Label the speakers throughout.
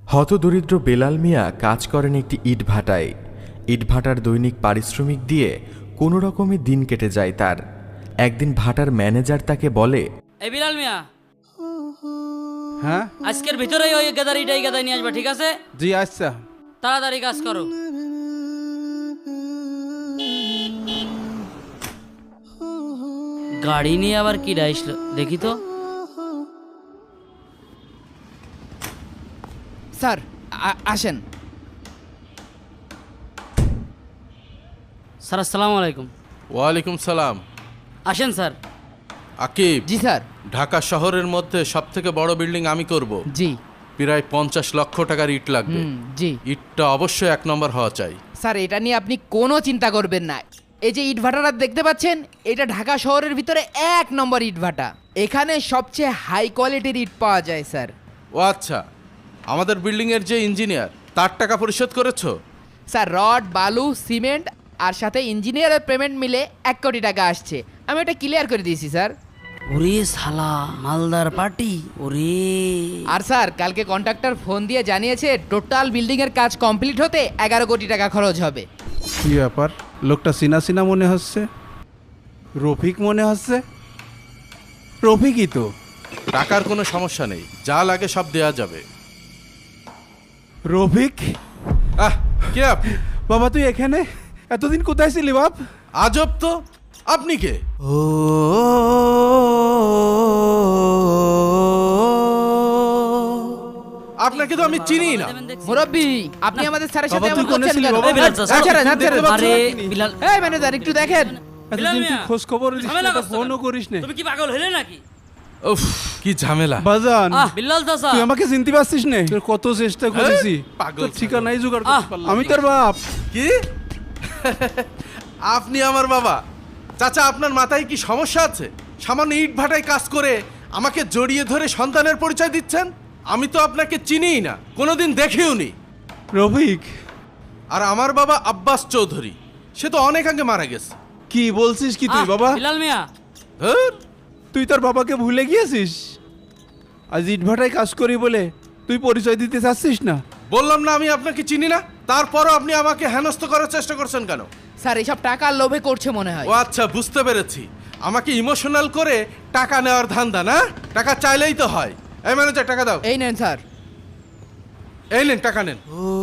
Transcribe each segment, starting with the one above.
Speaker 1: হতদরিদ্র বেলাল মিয়া কাজ করেন একটি ইটভাটায়। ইটভাটার দৈনিক পারিশ্রমিক দিয়ে কোনো রকমে দিন কেটে যায় তার। একদিন ভাটার ম্যানেজার তাকে বলে,
Speaker 2: এই বিলাল মিয়া,
Speaker 3: হ্যাঁ
Speaker 2: আজকের ভিতরেই ওই গাদারিটাই গাদাই নিয়ে আসবা, ঠিক আছে?
Speaker 3: জি আচ্ছা।
Speaker 2: তাড়াতাড়ি কাজ করো। গাড়ি নিয়ে আবার কি আসলো দেখি তো।
Speaker 4: স্যার আসেন।
Speaker 2: স্যার আসসালামু আলাইকুম।
Speaker 5: ওয়ালাইকুম সালাম।
Speaker 2: আসেন স্যার।
Speaker 5: আকিব,
Speaker 4: জি স্যার।
Speaker 5: ঢাকা শহরের মধ্যে সবথেকে বড় বিল্ডিং আমি করব।
Speaker 4: জি
Speaker 5: প্রায় 50 লক্ষ টাকার ইট লাগবে।
Speaker 4: জি
Speaker 5: ইটটা অবশ্যই 1 নম্বর হওয়া চাই।
Speaker 4: স্যার, এটা নিয়ে আপনি কোনো চিন্তা করবেন না। এই যে ইটভাটাটা দেখতে পাচ্ছেন, এটা ঢাকা শহরের ভিতরে 1 নম্বর ইটভাটা। এখানে সবচেয়ে হাই কোয়ালিটির ইট পাওয়া যায় স্যার।
Speaker 5: ও আচ্ছা, আমাদের বিল্ডিংয়ের যে ইঞ্জিনিয়ার তার টাকা পরিশোধ করেছো?
Speaker 4: স্যার, রড, বালু, সিমেন্ট আর সাথে ইঞ্জিনিয়ারের পেমেন্ট মিলে 1 কোটি টাকা আসছে। আমি এটা ক্লিয়ার করে দিয়েছি স্যার।
Speaker 2: ওরে শালা, মালদার পার্টি ওরে।
Speaker 4: আর স্যার, কালকে কন্ট্রাক্টর ফোন দিয়ে জানিয়েছে টোটাল বিল্ডিং এর কাজ কমপ্লিট হতে 11 কোটি টাকা খরচ হবে।
Speaker 3: কি ব্যাপার, লোকটা চিনা চিনা মনে হচ্ছে। রফিক মনে হচ্ছে। রফিকই তো।
Speaker 5: টাকার কোনো সমস্যা নেই, যা লাগে সব দেয়া যাবে।
Speaker 3: রফিক,
Speaker 5: কে আপনি?
Speaker 3: বাবা তুই এখানে এতদিন কোথায় ছিলি বাপ?
Speaker 5: আজব তো, আপনি কে? আপনাকে তো আমি চিনি না।
Speaker 4: মুরব্বি, আপনি আমাদের স্যারের সাথে
Speaker 3: বাবা, তুই
Speaker 4: এমন
Speaker 3: কোনে
Speaker 4: করছেন
Speaker 3: ছিলি
Speaker 4: কেন?
Speaker 3: বাবা?
Speaker 2: এই বিলাল চাচা, আরে বিলাল,
Speaker 4: এই ম্যানেজার, একটু দেখেন।
Speaker 3: এতদিন তুই খোঁজ খবর দিস
Speaker 2: ঝামেলা
Speaker 3: না,
Speaker 2: করছো
Speaker 3: ফোনও
Speaker 2: কেন?
Speaker 3: করিস না।
Speaker 2: তুমি কি পাগল হলে নাকি?
Speaker 5: উফ, কি ঝামেলা।
Speaker 3: বাজান,
Speaker 2: বিলাল চাচা,
Speaker 3: তুই আমাকে চিনতে পারছিস না? তোর কত চেষ্টা করেছি,
Speaker 5: পাগল
Speaker 3: তোর ঠিকানাই জোগাড়
Speaker 2: আহ,
Speaker 3: করতে পারলাম না। আমি তোর বাপ।
Speaker 5: কি? আপনি আমার বাবা? চাচা, আপনার মাথায় কি সমস্যা আছে? সামান্য ইট ভাটায় কাজ করে আমাকে জড়িয়ে ধরে সন্তানের পরিচয় দিচ্ছেন? আমি তো আপনাকে চিনিই না, কোনোদিন দেখিও নি।
Speaker 3: রফিক,
Speaker 5: আর আমার বাবা আব্বাস চৌধুরী, সে তো অনেক আগে মারা গেছে।
Speaker 3: কি বলছিস কি তুই বাবা?
Speaker 2: বিলাল মিয়া,
Speaker 5: ধুর,
Speaker 3: তুই তোর বাবাকে ভুলে গিয়েছিস? আজ ইটভাটায় কাজ করি বলে তুই পরিচয় দিতে চাচ্ছিস না?
Speaker 5: বললাম না আমি আপনাকে চিনি না, তারপরও আপনি আমাকে হেনস্থ করার চেষ্টা করছেন কেন?
Speaker 4: স্যার, এসব টাকার লোভে করছে মনে হয়।
Speaker 5: ও আচ্ছা, বুঝতে পেরেছি। আমাকে ইমোশনাল করে টাকা নেওয়ার ধান্দা না? টাকা চাইলেই তো হয়। এই ম্যানেজার, টাকা দাও।
Speaker 4: এই নেন স্যার।
Speaker 5: এই নেন, টাকা নেন।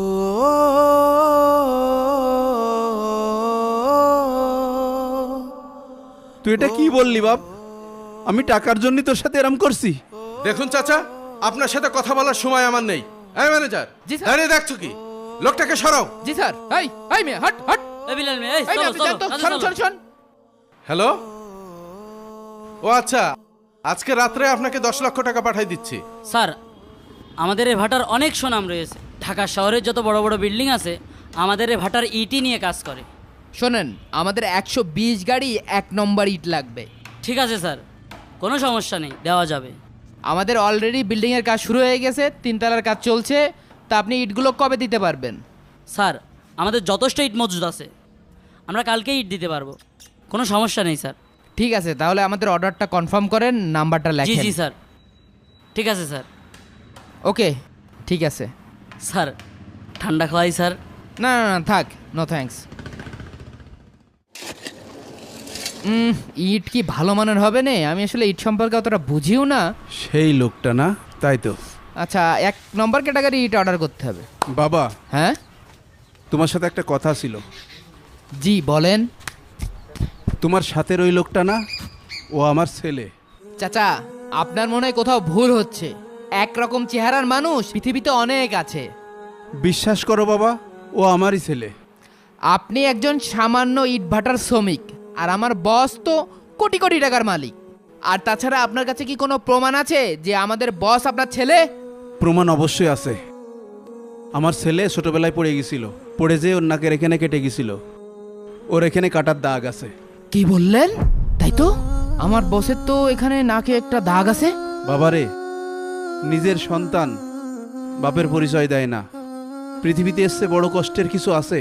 Speaker 3: তুই এটা কি বললি বাপ? আমি টাকার জন্য তোর সাথে এরম করছি?
Speaker 5: দেখুন চাচা, আপনার সাথে কথা বলার সময় আমার নেই। এই ম্যানেজার,
Speaker 4: জি স্যার।
Speaker 5: দাঁড়িয়ে দেখছো কি? লোকটাকে সরাও।
Speaker 4: জি স্যার। এই মেয়ে, হট হট।
Speaker 2: এই বিলাল মিয়া, এই
Speaker 4: এই মেয়ে,
Speaker 2: চলো
Speaker 4: আপনি
Speaker 2: চলো,
Speaker 4: যান তো।
Speaker 2: কাজে
Speaker 4: শোন
Speaker 2: চলো।
Speaker 4: শোন শোন।
Speaker 5: হ্যালো। ও আচ্ছা, আজকে রাত্রে আপনাকে 10 লক্ষ টাকা পাঠিয়ে দিচ্ছি।
Speaker 2: স্যার, আমাদের এই ভাটার অনেক সুনাম রয়েছে। ঢাকা শহরের যত বড় বড় বিল্ডিং আছে, আমাদের এই ভাটার ইটি নিয়ে কাজ করে।
Speaker 4: শোনেন, আমাদের 120 গাড়ি 1 নম্বর ইট লাগবে।
Speaker 2: ঠিক আছে স্যার, কোনো সমস্যা নেই, দেওয়া যাবে।
Speaker 4: আমাদের অলরেডি বিল্ডিং এর কাজ শুরু হয়ে গেছে, 3 তলার কাজ চলছে। তা আপনি ইটগুলো কবে দিতে পারবেন?
Speaker 2: স্যার, আমাদের যথেষ্ট ইট মজুদ আছে, আমরা কালকেই ইট দিতে পারবো, কোনো সমস্যা নেই স্যার।
Speaker 4: ঠিক আছে, তাহলে আমাদের অর্ডারটা কনফার্ম করেন, নাম্বারটা
Speaker 2: জি
Speaker 4: লেখেন।
Speaker 2: জি স্যার, ঠিক আছে স্যার।
Speaker 4: ওকে, ঠিক আছে।
Speaker 2: স্যার, ঠান্ডা খাওয়াই স্যার।
Speaker 4: না না না, থাক, নো থ্যাঙ্কস। ইট কি ভালো মানের হবে না? আমি আসলে ইট সম্পর্কে অতটা বুঝিও না।
Speaker 3: সেই লোকটা না? তাই তো।
Speaker 4: আচ্ছা, 1 নম্বর ক্যাটাগরি ইট অর্ডার করতে হবে।
Speaker 3: বাবা,
Speaker 4: হ্যাঁ
Speaker 3: তোমার সাথে একটা কথা ছিল।
Speaker 4: জি বলেন।
Speaker 3: তোমার সাথে ওই লোকটা না, ও আমার ছেলে।
Speaker 4: চাচা, আপনার মনে হয় কোথাও ভুল হচ্ছে। একরকম চেহারার মানুষ পৃথিবীতে অনেক আছে।
Speaker 3: বিশ্বাস করো বাবা, ও আমারই ছেলে।
Speaker 4: আপনি একজন সামান্য ইটভাটার শ্রমিক, আর আমার বস তো কোটি কোটি টাকার মালিক। আর তাছাড়া আপনার কাছে কি কোনো প্রমাণ আছে যে আমাদের বস আপনার ছেলে?
Speaker 3: প্রমাণ অবশ্যই আছে। আমার ছেলে ছোটবেলায় পড়ে গেছিল, পড়ে যেয়ে ওর নাকের এখানে কেটে গেছিল। ওর এখানে কাটার দাগ আছে।
Speaker 4: কি বললেন? তাই তো, আমার বসের তো এখানে নাকে একটা দাগ আছে।
Speaker 3: বাবারে, নিজের সন্তান বাপের পরিচয় দেয় না। পৃথিবীতে এসছে বড় কষ্টের কিছু আছে?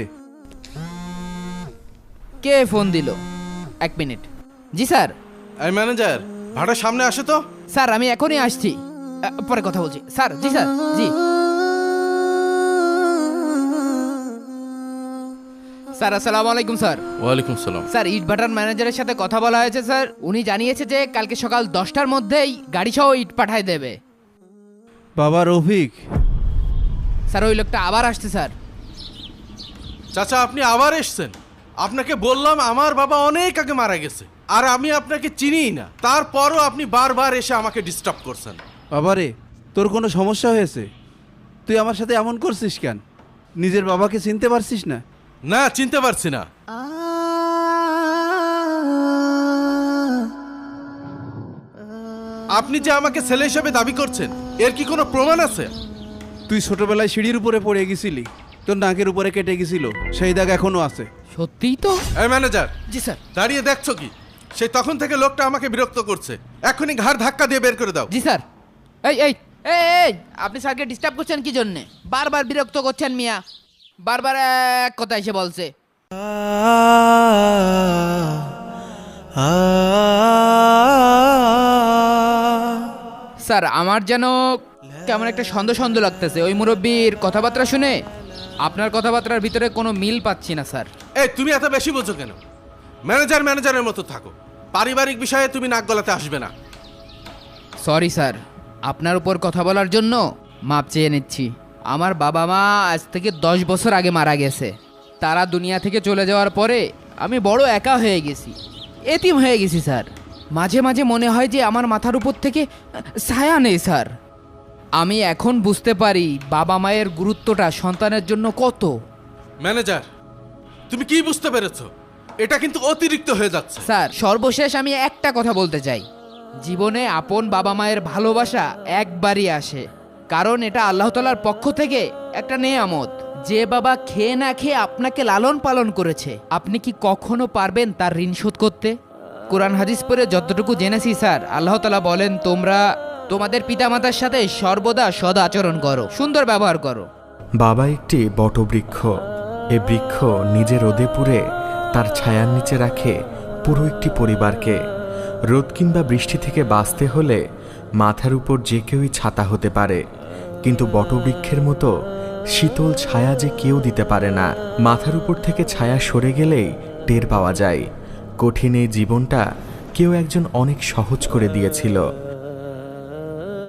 Speaker 4: কে ফোন দিল? 1 মিনিট। জি স্যার।
Speaker 5: এই ম্যানেজার, ভাটার সামনে আসে তো।
Speaker 4: স্যার, আমি এখনই আসছি, পরে কথা বলছি স্যার। জি স্যার, জি। স্যার আসসালামু আলাইকুম স্যার।
Speaker 5: ওয়ালাইকুম সালাম।
Speaker 4: স্যার ইটভাটার ম্যানেজারের সাথে কথা বলা হয়েছে স্যার, উনি জানিয়েছে যে কালকে সকাল 10টার মধ্যেই গাড়ি সহ ইট পাঠায় দেবে।
Speaker 3: বাবা রফিক,
Speaker 4: স্যার ওই লোকটা আবার আসছে স্যার।
Speaker 5: চাচা আপনি আবার এসছেন? আপনাকে বললাম আমার বাবা অনেক আগে মারা গেছে, আর আমি আপনাকে চিনিই না, তারপরও আপনি বারবার এসে আমাকে ডিস্টার্ব করছেন।
Speaker 3: বাবা রে, তোর কোনো সমস্যা হয়েছে? তুই আমার সাথে এমন করছিস কেন? নিজের বাবাকে চিনতে পারছিস না?
Speaker 5: না, চিনতে পারছি না। আপনি যে আমাকে ছেলে হিসেবে দাবি করছেন, এর কি কোনো প্রমাণ আছে?
Speaker 3: তুই ছোটবেলায় সিঁড়ির উপরে পড়ে গেছিলি, তোর নাকের উপরে কেটে গেছিল, সেই দাগ এখনো আছে।
Speaker 4: সত্যিই তো?
Speaker 5: এই ম্যানেজার,
Speaker 4: জি স্যার।
Speaker 5: দাঁড়িয়ে দেখছো কি? সেই তখন থেকে লোকটা আমাকে বিরক্ত করছে, এখনই ঘাড় ধাক্কা দিয়ে বের করে দাও।
Speaker 4: জি স্যার। এই এই এই এই, আপনি স্যারকে ডিস্টার্ব করছেন কি জন্যে? বারবার বিরক্ত করছেন মিয়া, বারবার এক কথা এসে বলছে। স্যার আমার যেন কেমন একটা সন্দেহ সন্দেহ লাগতেছে ওই মুরব্বীর কথাবার্তা শুনে। আপনার কথাবার্তার ভিতরে কোনো মিল পাচ্ছি না স্যার।
Speaker 5: এই তুমি এত বেশি বোঝো কেন? ম্যানেজার ম্যানেজারের মতো থাকো, পারিবারিক বিষয়ে তুমি নাক গলাতে আসবে না।
Speaker 4: সরি স্যার, আপনার উপর কথা বলার জন্য মাপ চেয়ে নিচ্ছি। আমার বাবা মা আজ থেকে 10 বছর আগে মারা গেছে। তারা দুনিয়া থেকে চলে যাওয়ার পরে আমি বড় একা হয়ে গেছি, এতিম হয়ে গেছি স্যার। মাঝে মাঝে মনে হয় যে আমার মাথার উপর থেকে ছায়া নেই স্যার। আমি এখন বুঝতে পারি বাবা মায়ের গুরুত্বটা সন্তানের জন্য কত।
Speaker 5: ম্যানেজার, তুমি কি বুঝতে পেরেছো? এটা কিন্তু অতিরিক্ত হয়ে যাচ্ছে।
Speaker 4: স্যার সর্বশেষ আমি একটা কথা বলতে চাই, জীবনে আপন বাবা মায়ের ভালোবাসা একবারই আসে, কারণ এটা আল্লাহ তাআলার পক্ষ থেকে একটা নেয়ামত। যে বাবা খেয়ে না খেয়ে আপনাকে লালন পালন করেছে, আপনি কি কখনো পারবেন তার ঋণ শোধ করতে? কোরআন হাদিস পড়ে যতটুকু জেনেছি স্যার, আল্লাহ তাআলা বলেন তোমরা তোমাদের পিতামাতার সাথে সর্বদা সদ আচরণ করো, সুন্দর ব্যবহার করো।
Speaker 1: বাবা একটি বটবৃক্ষ। এ বৃক্ষ নিজে রোদে পুড়ে তার ছায়ার নিচে রাখে পুরো একটি পরিবারকে। রোদ কিংবা বৃষ্টি থেকে বাঁচতে হলে মাথার উপর যে কেউই ছাতা হতে পারে, কিন্তু বটবৃক্ষের মতো শীতল ছায়া যে কেউ দিতে পারে না। মাথার উপর থেকে ছায়া সরে গেলেই টের পাওয়া যায়। কঠিন এই জীবনটা কেউ একজন অনেক সহজ করে দিয়েছিল।